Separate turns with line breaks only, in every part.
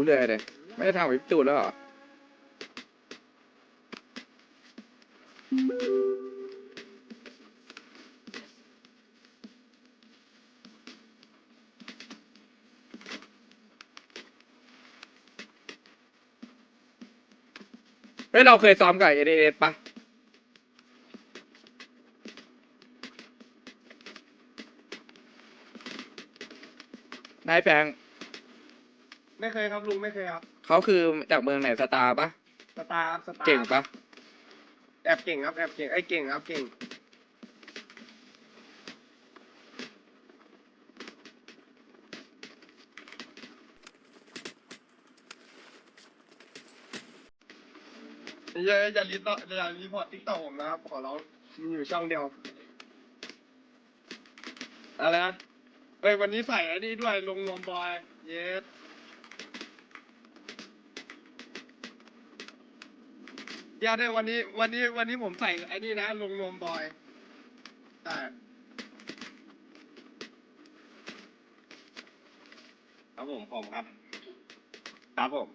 เลยเลยไม่ได้ทำกับพี่ตูนแล้วเหรอเฮ้ยเราเคยซ้อมกับเอเอปะนายแฟง
ไม่เคยครับลุงไม่เคยครับ
เขาคือจากเมืองไหนสตาร์ปะ
สตาร์สตาร์
เก่งปะ
แอบเก่งครับแอบเก่งไอ้เก่งครับเก่งอย่ารีพอร์ตติ๊กต็อกผมนะครับขอร้องมีอยู่ช่องเดียวอะไรนะเฮ้ยวันนี้ใส่ไอ้นี่ด้วยลงนวมบอยเยสเดี๋ยวได้วันนี้ผมใส่ไอ้นี่นะลงนวมบอยแต่ครับผมครับครับผม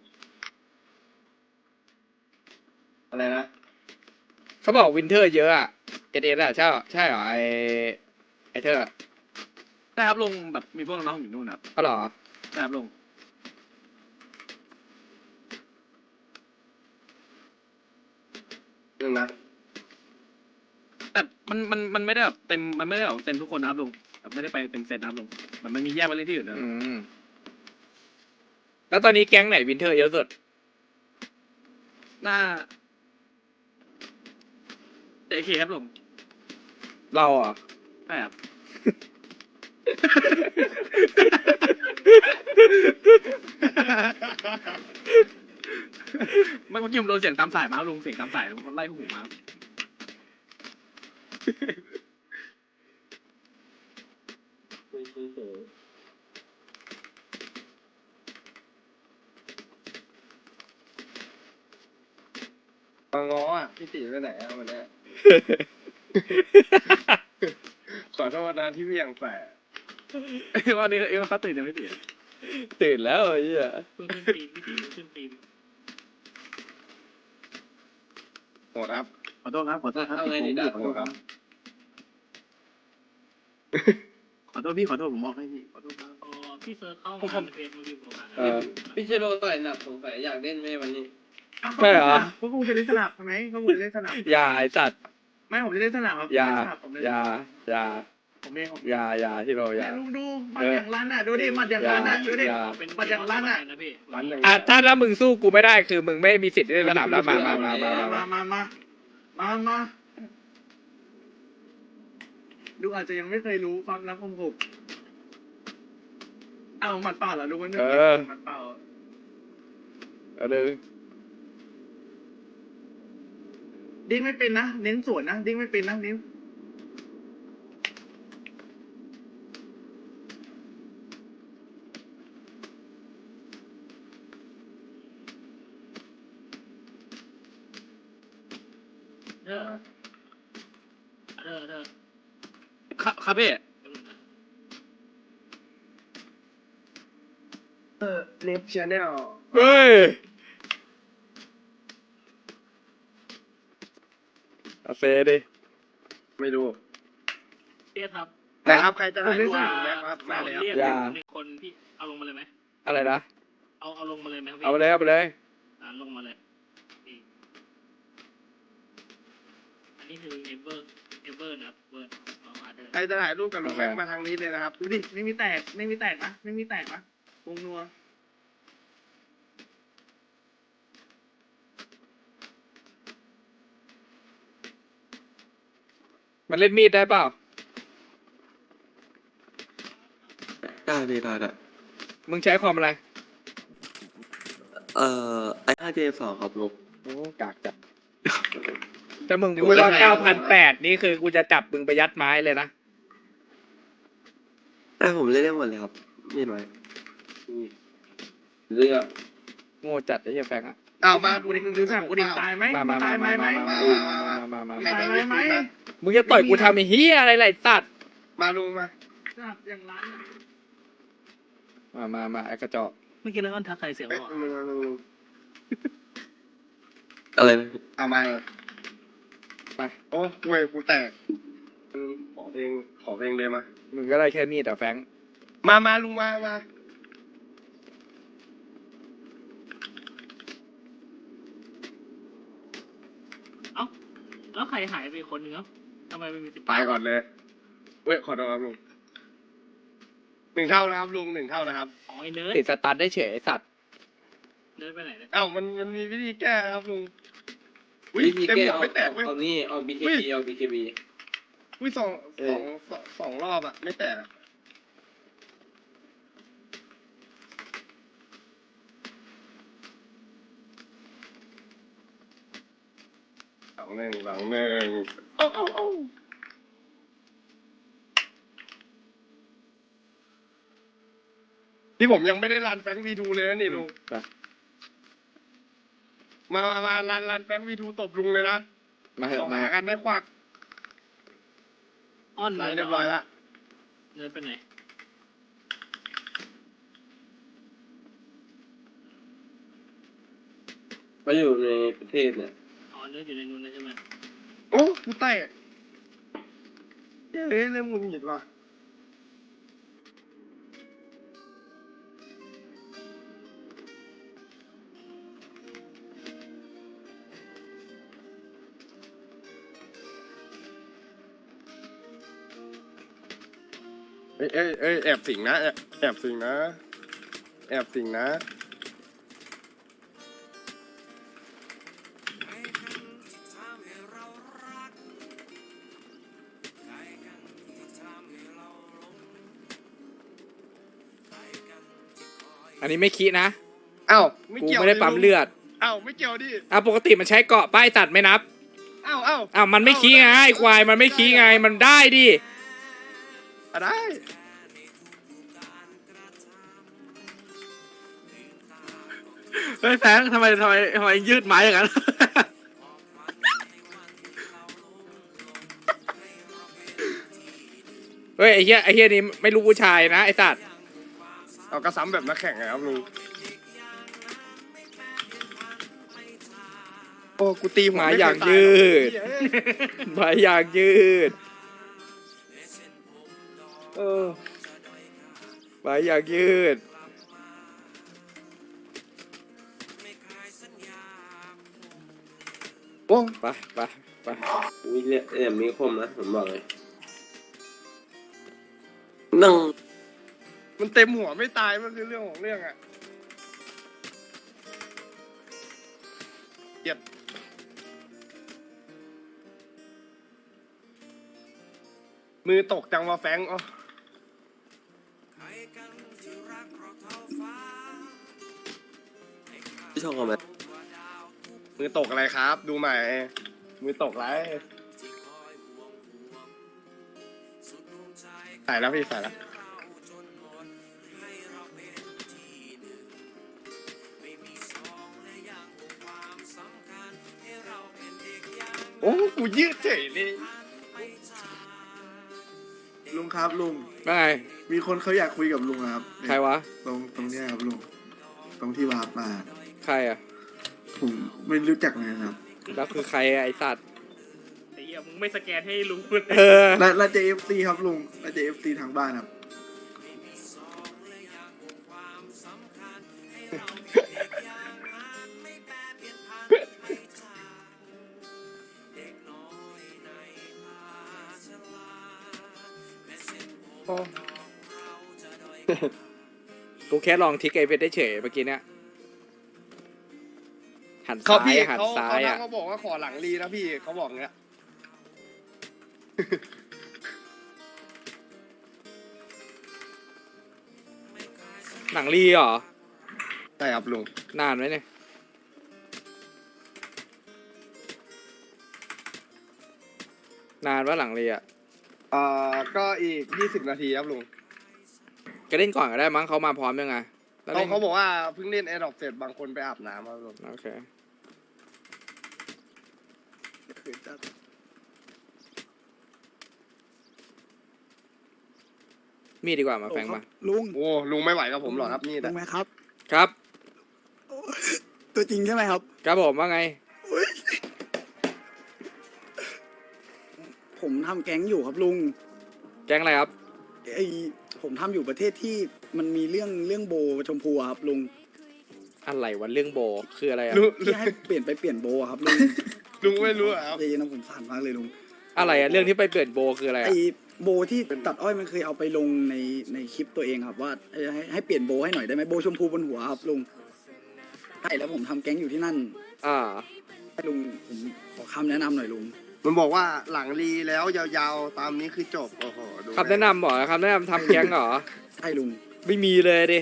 อะไรนะ
เขาบอกวินเทอร์เยอะอะเอเออะใช่เหรอไอเธอ
ใช่ครับลุงแบบมีพวกน้องๆอยู่นู่นครับ
ก็หรอ
ใช่ครับลุง
นึงนะ
แต่มันไม่ได้แบบเต็มมันไม่ได้แบบเต็มทุกคนนะครับลุงแบบไม่ได้ไปเต็มเซตนะครับลุงมันมีแยกไปเล่นที่อื่นนะ
แล้วตอนนี้แก๊งไหนวินเทอร์เยอะสุด
หน้าเอเคครับลุง
เราอ่ะ
ใช่ครับเมื่อกี้ผมโดนเสียงตามสายมาลุงเสียงตามสายมันไล่หูมา
มาง้ออ่ะพี่ตีไปไหนอ่ะวันนี้ ขอโทษนะที่เวี่ยงแฝง
วันนี้เขาตื่นยังไม่ตื่น
ตื่นแล้วไอ้เหี้ย
เพิ่งขึ้นตีมพี่ตีขึ้นตีม
โหดครับ
ขอโทษครับขอโทษครับ
เอาไงดีด่าโหดครับ
ขอโทษพี่ขอโทษผมบอกให้พี่ขอโทษครับ
พี่เซิร์ชเข้ามาในเพจมือถือผมอ่ะ
พี่เชโรต่อยหนักสงสัยอยากเล่นไหมวันนี้
ใช่เหรอ
พวกกูจะเล่นสนับใช่ไหมพวกกูจะเล่นสนับ
อย่าไอ้สัตว์
ไม่ผมจะเล่นสนับครับ
อย่า
ผมเล่น
อย่า
ผมเล่นผม
อย่าที่เราอย่า
ลุงดูหมัดอย่างลั่นอ่ะดูดิหมัดอย่างลั่นอ่ะดูดิ
อย่า
เป็น
หมัดอย่างลั่นอ่ะ
นะพี่
ร้านหนึ่ง
อ่ะถ้ามึงสู้กูไม่ได้คือมึงไม่มีสิทธิ์ได้สนามแล้วมา
มาดูอาจจะยังไม่เคยรู้ความรักของผมเอาหมัดเปล่าเหรอดูมันหมัดเปล่า
เลย
ดิ้งไม่เป็นนะเน้นสวนนะดิ้งไม่เป็นนะนิ้ว
เธอ
ครับพี่
เล็บชาแนล
เฮ้ยเอาเซดิ
ไม่รู้
เรียกครับ
แต่ครับใครจะถ่ายรูปอยู่แม็กครับมาแล้ว
เรียกมีคนพี่เอาลงมาเลยไหม
อะไรนะ
เอาลงมาเลยไหมพี่
เอาไปเลยเอาไปเลย
ลงมาเลยนี่อันนี้คือเอเวอร์นะครับเวอร์มาเดิน
ใครจะถ่ายรูปกับลุงแม็กมาทางนี้เลยนะครับ
ดูดิไม่มีแตกนะไม่มีแตกนะวงนัว
มันเล่นมีดได้เปล่า
ได้พี่ได้
มึงใช้ความอะไร
i5J2 ครับลูก
โอ้กากจัดถ้ามึงพูดว่า9,800นี่คือกูจะจับมึงไปยัดไม้เลยนะ
แต่ผมเล่นได้หมดเลยครับมีไหม
เลือก
โง่จัดไอ้เหี้ยแฟงอ่ะ
เอามา
กูดิดูสนับกูดิตายไหมตายไหม ตายไหม
มึงจะต่อยกูทำไอ้เหี้ยอะไรไรสัตว์
มาลุงมา
สนับอย่างลั่น
มาไอ้กระจอก
เมื่อกี้แล้วก็ทักใครเสียง
เอ้ย
ว่า
ลุง
อะไรนะ
เอามา
ไป
โอ้เว้ยกูแตกขอเพลงเลยมา
มึงก็ได้แค่นี้แต่แฟรงค์
มาลุงมา
เอ้าแล้วใครหายไปคนนึงเอ้าทำไมไม่มีติด
ไปก่อนเลยเว้ยขอโทษครับลุง1 เท่านะครับลุง1 เท่านะครับ
อ๋อไอ้เนิร์ด
ติดสตาร์ทได้เฉยไอ้สัตว์
เนิร์ดไปไหนเนี่ย
เอ้ามันมีวิธีแก้ครับลุงอุ้ย
วิธี
เต็ม
แก้
หัวไม่แตกเว้ย
เอานี่เอา
อุ้
BKB
ย
เอา BKB
อุ้ยสองรอบอะไม่แตกอะหลังหนึ่งเอาที่ผมยังไม่ได้รันแฟงวีดูเลยนะนี่ลุง
ไป
มารันแฟงวีดูตบลุงเลยนะ
มาเห
สอ
อะ
ง
มา
หากันไม่ควัก
อ้อน
รั
เนิ
น
ร์ด
เรียบร้อยละ
เนิร์ดไปไหน
ไปอยู่ในประเทศเนี่ย
อ๋อเนิร์ดอยู่ในนู้นนะใช่ไหม
โอ้กูแตกเฮ้ยเริ่มหงุดหงิดว่ะเอ้ยแอบสิงนะแอบสิงนะ
อันนี้ไม่คิดนะ
เอ้า
กูไม่ได้ปั๊มเลือด
เอ้าไม่เกี่ยวดิ
ปกติมันใช้เกาะป้ายตัดไม่นับ
เอ้า
อ้าวมันไม่ขี้ไงไอ้ควายมันไม่ขี้ไงมันได้ดิ
ได้
เฮ้ยแฟงทำไมยืดไม้อย่างนั้น
เฮ้ยไอ้เหี้ยนี่ไม่รู้ผู้ชายนะไอ้สัตว์
เอากระซ้ำแบบนักแข่งไงครับลุงโอ้กูตีหัว
หมา
ไม่
อย่าง
เคต
ยืด
หรอก
หมาอย่างยืดหมาอย่างยืด
โอ้
ไปไปไป
มีเรียกมีคมนะผมบอกเลยนั่ง
มันเต็มหัวไม่ตายมันคือเรื่องของเรื่องอะเก็บมือตกจังวะแฟงอ๋อ
ที่ช่องคอมเมนต์
มือตกอะไรครับ ดูใหม่ มือตกไรใส่แล้วพี่ใส่แล้วโอ้กูยืดเฉยเลย
ลุงครับลุง
ว่าไง
มีคนเขาอยากคุยกับลุงนะครับ
ใครวะ
ตรงเนี้ยครับลุงตรงที่วาร์ปมา
ใครอ่ะ
ผมไม่รู้จักเลยนะครับ
แล้วคือใครอะไอ้สัตว์
ไอ้เหี้ยมึงไม่สแกนให้ลุงพูด
เออ
แล้วจะ FC ครับลุงแล้วจะ FC ทางบ้านครับ
โอ้
กูแค่ลองทิกไอเพชรได้เฉยเมื่อกี้เนี่ยหัน
เขา
ซ้าย
พี่
อะหัน
เขา
ซ้ายอ่ะ
เขาบอกว่าขอหลังรีนะพี่เขาบอกเงี้ย
หนังรีเหรอ
ใช่ครับลุง
นานไหมเนี่ยนานว่าหลังรีอ่ะ
ก็อีก20 นาทีครับลุง
ก็เล่นก่อนก็ได้มั้งเขามาพร้อมยังไงแล้วเล่น
เขาบอกว่าเพิ่งเล่นแอร์ดรอปเสร็จบางคนไปอาบน้ำครับลุง
โอเคมีดดีกว่ามาแฟงมา
ลุง
โอ้ลุงไม่ไหวกับผมหรอกครับนี่
ลุ
แต่
งไหมครับ
ครับ
ตัวจริงใช่ไหมครับ
ครับผมว่าไง
ผมทำแก๊งอยู่ครับลุง
แก๊งอะไรครับ
ไอผมทำอยู่ประเทศที่มันมีเรื่องโบชมพูอะครับลุง
อะไรวะเรื่องโบคืออะไรอะ
ลุง
ที่ให้เปลี่ยนโบอะครับลุง
ลุงไม่รู้เหรอครับ
ใจเย็นนะผมสั่นมากเลยลุง
อะไรอะเรื่องที่ไปเปลี่ยนโบคืออะไร
ไอ
อะ
โบที่ตัดอ้อยมันเคยเอาไปลงในคลิปตัวเองครับว่าให้เปลี่ยนโบให้หน่อยได้ไหมโบชมพูบนหัวครับลุงใช่แล้วผมทำแก๊งอยู่ที่นั่น
อ่า
ลุงผมขอคำแนะนำหน่อยลุง
มันบอกว่าหลังรีแล้วยาวๆตามนี้คือจบโอ้โหดู
คำแนะนำเหรอคำแนะนำทำแก๊งเหรอ
ใช่ลุง
ไม่มีเลยดิ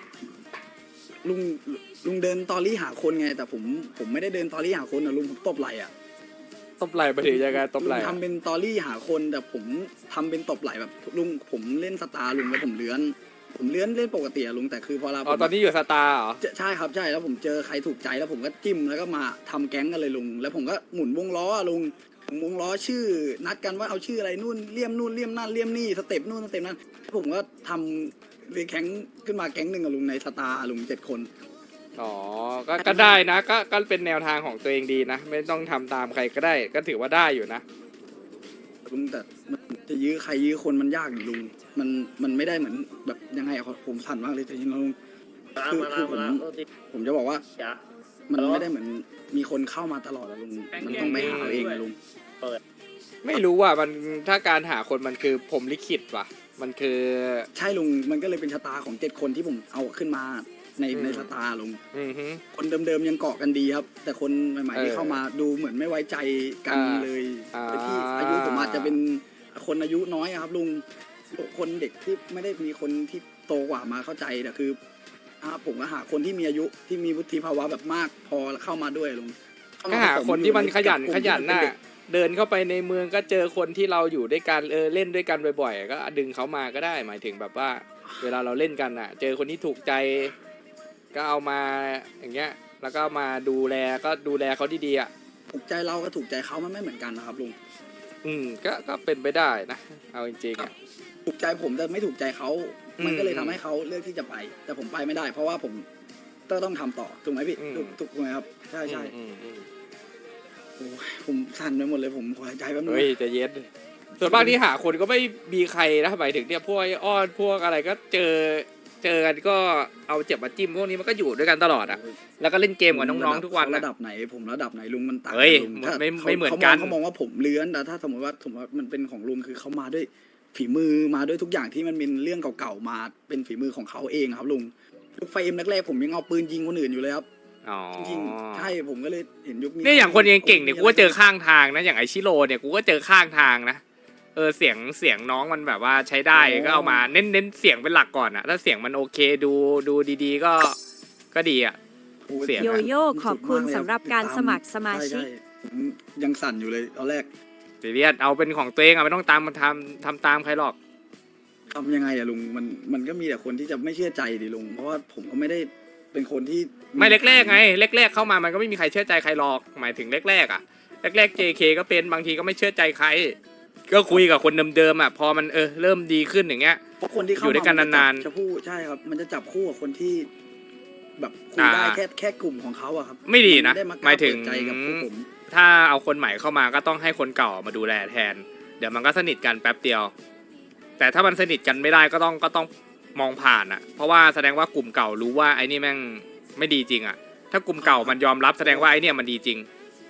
ลุงเดินตอรี่หาคนไง แต่ผมไม่ได้เดินตอรี่หาคนนะลุงผมตบไหล่อะ
ตบไหล่ไปถึงยังไงตบไหล่
ลุง
อะ
ทำเป็นตอรี่หาคนแต่ผมทำเป็นตบไหล่แบบลุงผมเล่นสตาร์ลุงแล้วผมเลื้อนเล่นปกติอะลุงแต่คือพอเรา
อ๋อตอนนี้อยู่สตาร์เหรอ
ใช่ครับใช่แล้วผมเจอใครถูกใจแล้วผมก็จิ้มแล้วก็มาทำแก๊งกันเลยลุงแล้วผมก็หมุนวงล้ออะลุงผมวงล้อชื่อนัดกันว่าเอาชื่ออะไรนู่นเลี่ยมนั่นเลี่ยมนี่สเต็ปนู่นสเต็ปนั้นผมก็ทำเลยแก๊งขึ้นมาแก๊งหนึ่งอะลุงในสตาร์ลุง7 คน
อ๋อก็ได้นะก็เป็นแนวทางของตัวเองดีนะ ไม่ต้องทำตามใครก็ได้ ก็ถือว่าได้อยู่นะ
ลุงแต่มันจะยื้อใครยื้อคนมันยากอยู่ลุงมันไม่ได้เหมือนแบบยังไงอะผมสั่นมากเลยแต่จริงๆแล้วลุงคือผมจะบอกว่ามันไม่ได้เหมือนมีคนเข้ามาตลอดอะลุงมันต้องไปหาเอาเองอะลุง
ไม่รู้ว่ามันถ้าการหาคนมันคือผมลิขิตว่ะ มันคือ
ใช่ลุงมันก็เลยเป็นชะตาของ7 คนที่ผมเอาขึ้นมาในชะตาลุง
อือฮึ
คนเดิมๆยังเกาะกันดีครับ แต่คนใหม่ๆที่เข้ามาดูเหมือนไม่ไว้ใจกันเลย
อ่า
แต่ที่อายุผมอาจจะเป็นคนอายุน้อยอะครับลุงคนเด็กที่ไม่ได้มีคนที่โตกว่ามาเข้าใจแต่คือผมก็หาคนที่มีอายุที่มีวุฒิภาวะแบบมากพอเข้ามาด้วยลุง
ก็หาคนที่มันขยัน
กลุ่
ขยัน
ที่มั
น่ะ
เป็เด็ก
เดินเข้าไปในเมืองก็เจอคนที่เราอยู่ด้วยกันเล่นด้วยกันบ่อยๆก็ดึงเขามาก็ได้ หมายถึงแบบว่า เวลาเราเล่นกันน่ะ เจอคนที่ถูกใจ ก็เอามาอย่างเงี้ย แล้วก็มาดูแลเขาดีๆอ่ะ
ถูกใจเราก็ถูกใจเขามันไม่เหมือนกันนะครับลุง
ก็เป็นไปได้นะเอาจริงๆอ่ะ
ถูกใจผมแต่ไม่ถูกใจเขา
อืม
มันก็เลยทำให้เขาเลือกที่จะไป แต่ผมไปไม่ได้ เพราะว่าผมต้องทำต่อถูกไหมพี่
อืม
ถูกไหมครับใช่ใช่
อืม
โอ้ยผมสั่นไปหมดเลยผมขอหายใจแป๊บนึง
เฮ้ยใจะเย็นส่วนมากที่หาคนก็ไม่มีใครนะหมายถึงเนี่ยพวกไอ้อ้อนพวกอะไรก็เจอกันก็เอาเจ็บมาจิ้มพวกนี้มันก็อยู่ด้วยกันตลอดอ่ะ แล้วก็เล่นเกมกับน้องๆทุกวัน
เขา
นะ
ระดับไหนผมระดับไหนลุงมันต่าง
เฮ้ย
ลุงถ้า
ไม่เหมือนกัน
เขามองว่าผมเลื้อนแต่ถ้าสมมติว่ามันเป็นของลุงคือเขามาด้วยฝีมือมาด้วยทุกอย่างที่มันเป็นเรื่องเก่าๆมาเป็นฝีมือของเขาเองครับลุงยุคไฟเอ็มแรกๆผมยังเอาปืนยิงคนอื่นอยู่เลยครับ
อ๋อ
จริงๆใช่ผมก็เลยเห็นยุคนี้
เนี่ยอย่างคนเก่งๆเนี่ยกูก็เจอข้างทางนะอย่างไอชิโร่เนี่ยกูก็เจอข้างทางนะเสียงน้องมันแบบว่าใช้ได้ก็เอามาเน้นเสียงเป็นหลักก่อนอะถ้าเสียงมันโอเคดูดีๆก็ดีอะ
โอ้ย
เสียง
โยโย่ขอบคุณสำหรับการสมัครสมาชิก
ใๆผมยังสั่นอยู่เลยตอนแรก
ซีเรียสเอาเป็นของตัวเองอะไม่ต้องตามมาทำตามใครหรอก
ทำยังไงอะลุงมันก็มีแต่คนที่จะไม่เชื่อใจดิลุงเพราะว่าผมก็ไม่ได้เป็นคนที่
ไม่แรกๆไงแรกๆเข้ามามันก็ไม่มีใครเชื่อใจใครหรอกหมายถึงแรกๆอะแรกๆ JK ก็เป็นบางทีก็ไม่เชื่อใจใคร ก็คุยกับคนเดิมๆอะพอมันเริ่มดีขึ้นอย่างเงี้ย
เพราะคนที่เข้า
อยู่ด้วยกันนานๆ
จะพูดใช่ครับ มันจะจับคู่กับคนที่ แบบคุยได้แค่กลุ่มของเขาอะครับ
ไม่ดีนะ
ไได้
หมายถึง
เปิดใจกับพวกผม
ถ้าเอาคนใหม่เข้ามาก็ต้องให้คนเก่ามาดูแลแทน เดี๋ยวมันก็สนิทกันแป๊บเดียว แต่ถ้ามันสนิทกันไม่ได้ก็ต้องมองผ่านอ่ะ เพราะว่าแสดงว่ากลุ่มเก่ารู้ว่าไอ้นี่แม่งไม่ดีจริงอ่ะ ถ้ากลุ่มเก่ามันยอมรับแสดงว่าไอ้เนี่ยมันดีจริง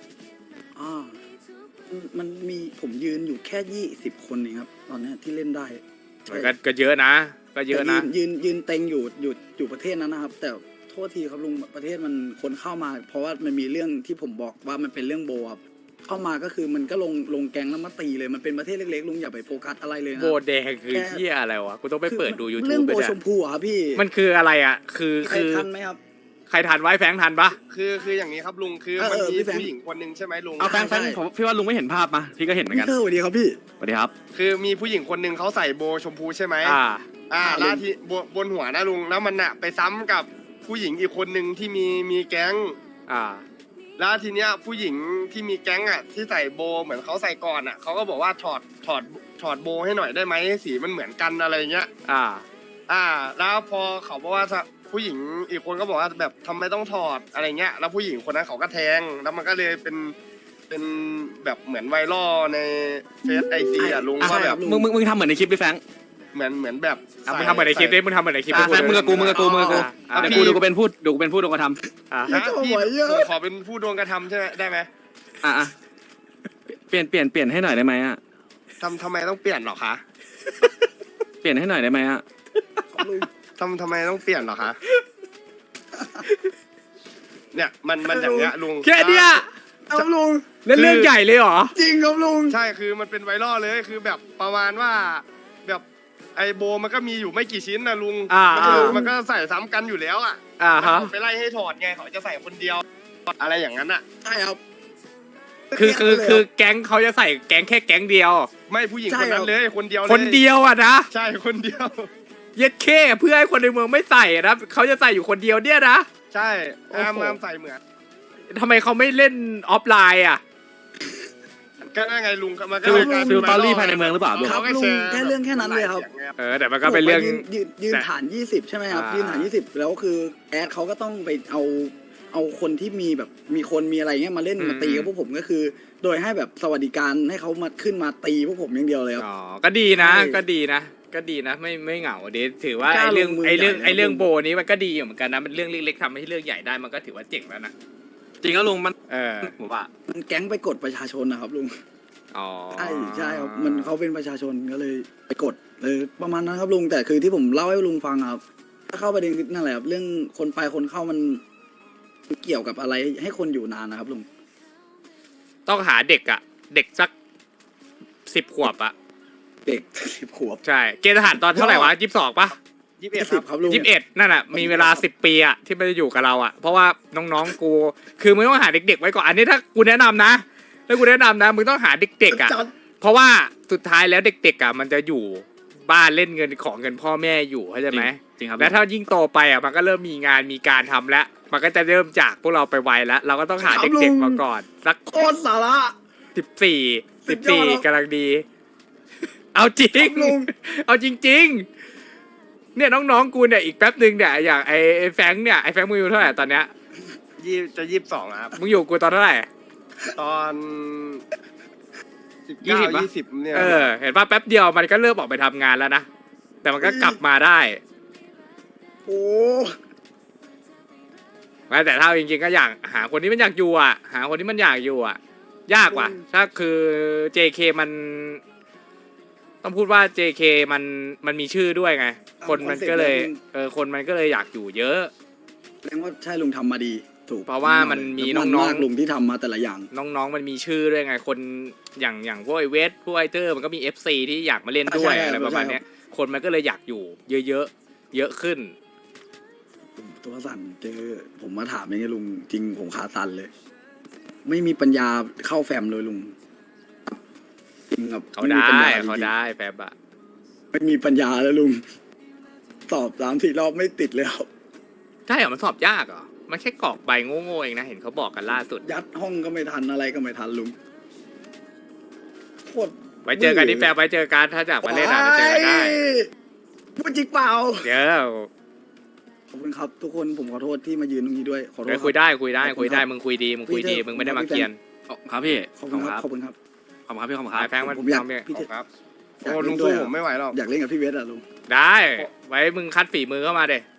มันมีผมยืนอยู่แค่20 คนเองครับ ตอนเนี้ยที่เล่นได้
มันก็เยอะนะ ก็เยอะนะ
แต่ยืนเต็งอยู่ประเทศนั้นนะครับ แต่โทษทีครับลุงประเทศมันคนเข้ามา เพราะว่ามันมีเรื่องที่ผมบอกว่ามันเป็นเรื่องโบครับเข้ามาก็คือมันก็ลงแกงแล้วมาตีเลยมันเป็นประเทศเล็กๆลุงอย่าไปโฟกัสอะไรเลยนะ
โบแดงคือเหี้ยอะไรวะกูต้องไปเปิดดู
เรื่
YouTube ไป
โบ
เนี่ย
ชมพูอะครับพี่
มันคืออะไรอ่ะ คือ
ใครทันไหมครับ
ใครทันไว้แฟงทันปะ
คืออย่างนี้ครับลุงคือ
เออ
มันมี
พี่แฟง
ผู้หญิงคนหนึ่งใช่ไหมลุง
เอาแฟนผมพี่ว่าลุงไม่เห็นภาพมาพี่ก็เห็นเหมือนกัน
พี่สวัสดีครับพี่
สวัสดีครับ
คือมีผู้หญิงคนหนึ่งเขาใส่โบชมพูใช่ไหม แล้วที่บนหัวนะลุงแล้วมันอะไปซ้ำกับผู้หญิงอีกคนหนึ่งที่มีแก๊ง แล้วทีเนี้ยผู้หญิงที่มีแก๊งอะที่ใส่โบเหมือนเขาใส่ก่อนอะเขาก็บอกว่าถอดโบให้หน่อยได้ไหมสีมันเหมือนกันอะไรเงี้ย แล้วพอเขาบอกว่าผู้หญิงอีกคนก็บอกว่าแบบทำไมต้องถอดอะไรเงี้ยแล้วผู้หญิงคนนั้นเขาก็แทงแล้วมันก็เลยเป็นแบบเหมือนไวรัลในเฟซไอซีอ่ะลุงว่าแบบ
มึงทำเหมือนในคลิปดิแฟง
เหมือนแบบ
มึงทำเหมือนในคลิปดิมึงทำเหมือนในคลิป
แฟงมึงกับกูเดี๋ยวกูเป็นผู้โดนกระทำ
นะพี่ผมขอเป็นผู้โดนกระทำใช่ไหมได้ไหม
เปลี่ยนให้หน่อยได้ไหมอ่ะ
ทำไมต้องเปลี่ยนหรอคะ
เปลี่ยนให้หน่อยได้ไหมอ่ะ
ทำไมต้องเปลี่ยนหรอคะเนี่ยมันอย่างเงี้ยลุง
แค่เนี้ย
ครับลุง
เล่นเรื่องใหญ่เลยเหรอ
จริงครับลุง
ใช่คือมันเป็นไวรัลเลยคือแบบประมาณว่าแบบไอโบมันก็มีอยู่ไม่กี่ชิ้นนะลุงมันก็ใส่ซ้ำกันอยู่แล้วอ่ะ
ฮะ
ไปไล่ให้ถอดไงเขาจะใส่คนเดียวอะไรอย่างนั้นอ่ะ
ใช่ครับ
คือแก๊งเขาจะใส่แก๊งแค่แก๊งเดียว
ไม่ผู้หญิงคนนั้นเลยคนเดียวเลย
คนเดียวอ่ะนะ
ใช่คนเดียว
เย็ดเข้เพื่อให้คนในเมืองไม่ใส่อะนะเขาจะใส่อยู่คนเดียวเนี่ยนะ
ใช่
โอ้โห
ห้ามใส่เหมือน
ทำไมเขาไม่เล่นออฟไลน์อ่ะ
ก็นั่นไงลุงมันก็
ฟิลตอรี่ภายในเมืองหรือเปล่าลุง
ครับลุงแค่เรื่องแค่นั้นเลยครับ
แต่มันก็เป็นเรื่อง
ยืนฐาน 20 ใช่ไหมครับ ยืนฐาน 20 แล้วคือแอดเขาก็ต้องไปเอาคนที่มีแบบมีคนมีอะไรเงี้ยมาเล่นมาตีกับพวกผมก็คือ โดยให้แบบสวัสดิการให้เขามาขึ้นมาตีพวกผมอย่างเดียวเลยครับ
อ๋อ ก็ดีนะ
ใช่
ก็ดีนะ ก็ดีนะ ไม่เหงาดีถือว่า
กล้า
ไอ้เรื่อง
ลงมือ
ไอ้เรื่อง
ใหญ่นะ
ไอ้เรื่อง
ลุง
โบนี้มันก็ดีอยู่เหมือนกันนะมันเรื่องเล็กๆทำให้เรื่องใหญ่ได้มันก็ถือว่าเจ๋งแล้วนะ
จริงแล้วลุงมัน
ผมว่า
มันแก๊งไปกดประชาชนนะครับลุง
อ๋อ
ใช่ครับมันเขาเป็นประชาชนก็เลยไปกดประมาณนั้นครับลุงแต่คือที่ผมเล่าให้ลุงฟังครับถ้าเข้าประเด็นนั่นแหละครับเรื่องคนไปคนเข้ามันเกี่ยวกับอะไรให้คนอยู่นานนะครับลุง
ต้องหาเด็กอ่ะ เด็กสัก10 ขวบอ่ะ
เด็ก10 ขวบ
ใช่ เกณฑ์ทหารตอนเท่าไหร่วะ22ป่ะ
20ครับลุง
21นั่นอ่ะ มีเวลา10 ปีอ่ะที่มันจะอยู่กับเราอ่ะ เพราะว่าน้องๆกู คือมึงต้องหาเด็กๆไว้ก่อน อันนี้ถ้ากูแนะนำนะถ้ากูแนะนำนะ มึงต้องหาเด็กๆอ่ะ เพราะว่าสุดท้ายแล้วเด็กๆอ่ะมันจะอยู่บ้านเล่นเงินของเงินพ่อแม่อยู่เข้าใจไหม
จริงครับ
แล้วถ้ายิ่งโตไปอ่ะมันก็เริ่มมีงานมีการทำแล้ว มันก็จะเริ่มจากพวกเราไปไวแล้ว เราก็ต้องหา
ครับลุ
เด็ก
ง
ๆมาก่อนสัก
โคตรสาระ
14กำลังดี เอาจริง
ลุง
เอาจริง ๆ เนี่ยน้องๆกูเนี่ยอีกแป๊บหนึ่งเนี่ยอย่างไอ้แฟงค์เนี่ยไอ้แฟงค์มึงอยู่เท่าไหร่ตอนเนี้ย
จะ22ครับ
มึงอยู่กูตอนเท่าไหร่
ตอน20เนี่ย
เห็นป่ะแป๊บเดียวมันก็เริ่มออกไปทำงานแล้วนะแต่มันก็กลับมาได้
โอ้
แต่ถ้าจริงๆก็อยากหาคนที่มันอยากอยู่อ่ะ หาคนที่มันอยากอยู่อ่ะ ยากว่ะ ถ้าคือ JK มันต้องพูดว่า JK มันมีชื่อด้วยไง คนมันก็เลยคนมันก็เลยอยากอยู่เยอะ
แสดงว่าใช่ลุงทำมาดีถูก
เพราะว่ามันมีน้องๆ
มากลุงที่ทำมาแต่ละอย่าง
น้องๆมันมีชื่อด้วยไง คนอย่างพวกไอเวสพวกไอเตอร์มันก็มี FC ที่อยากมาเล่นด้วย
ใช่
อะไรประมาณเนี้ยคนมันก็เลยอยากอยู่เยอะๆเยอะขึ้น
ตัวสั่นเจอผมมาถามอย่างเงี้ยลุงจริงผมขาสั่นเลย ไม่มีปัญญาเข้าแฟมเลยลุงจริงครับ
เขา
ม่มี
ได้
ปัญญจริงๆ
เขาได้แฟบอะ
ไม่มีปัญญาแล้วลุงตอบ3-4 รอบไม่ติดเลยครับ
ใช่เหรอมันสอบยากเหรอมันแค่กรอกใบโง่ๆเองนะเห็นเขาบอกกันล่าสุด
ยัดห้องก็ไม่ทันอะไรก็ไม่ทันลุงโคตร
ไว้เจอกันที่แฟบไว้เจอกันถ้าจากมาเล่นอ่ะจะเจอกันได้
พูดจริงเปล่า
เดี๋ยว
ขอบคุณครับทุกคนผมขอโทษที่มายืนตรงนี้ด้วยขอโทษ
เดี๋ยว
ค
คุ
รั
ย
บ
ได้มึงคุยดีมึงไม่ได้มาเกียน
ครับพี่
ขอบคุณครับขอบคุณครับ
ขอบคุณครับพี่ขอบคุณค
ไอ้
รับ
แฟงมัน
ผมอยาก
ทำเนี่ย
พี่เจ
ครับ
อยาก
โอ้ลุ
เล่
ง
นด้
สู้
วย
ผมไม่ไหวหรอก
อยากเล่นกับพี่เวสอะลุง
ได้ ไว้มึงคัดฝีมือเข้ามาเด้